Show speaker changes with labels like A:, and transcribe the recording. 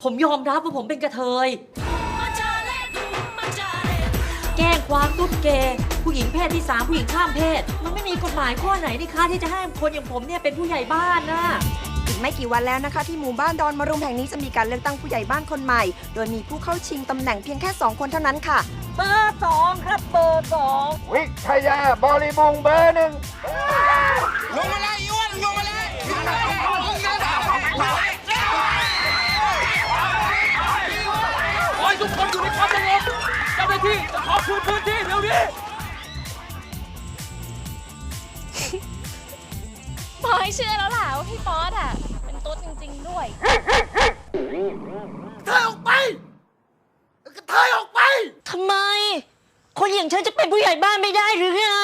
A: ผมยอมรับว่าผมเป็นกระเทยแกล้งความตุ๊ดเกย์ผู้หญิงเพศที่3ผู้หญิงข้ามเพศมันไม่มีกฎหมายข้อไหนนี่คะที่จะให้คนอย่างผมเนี่ยเป็นผู้ใหญ่บ้านนะ
B: อีกไม่กี่วันแล้วนะคะที่หมู่บ้านดอนมะรุมแห่งนี้จะมีการเลือกตั้งผู้ใหญ่บ้านคนใหม่ โดยมีผู้เข้าชิงตำแหน่งเพียงแค่ 2 คนเท่านั้นค่ะ
A: เบอร์2ครับเบอร์2
C: วิทยาบริบูรณ์เบอร์1
D: ลงมาเลยอ้วนลงมาเลยขอให้ทุกคนอยู่ในความสงบเจ้าหน้าที่จะขอคืนพื้นที่เดี๋ยวนี้
E: พอให้เชื่อแล้วล่ะว่าพี่ป๊อตอ่ะ เป็นตุ๊ดจริงๆด้วย
D: เธอออกไปเธอออกไป
A: ทำไม คนอย่างฉันจะเป็นผู้ใหญ่บ้านไม่ได้หรือไง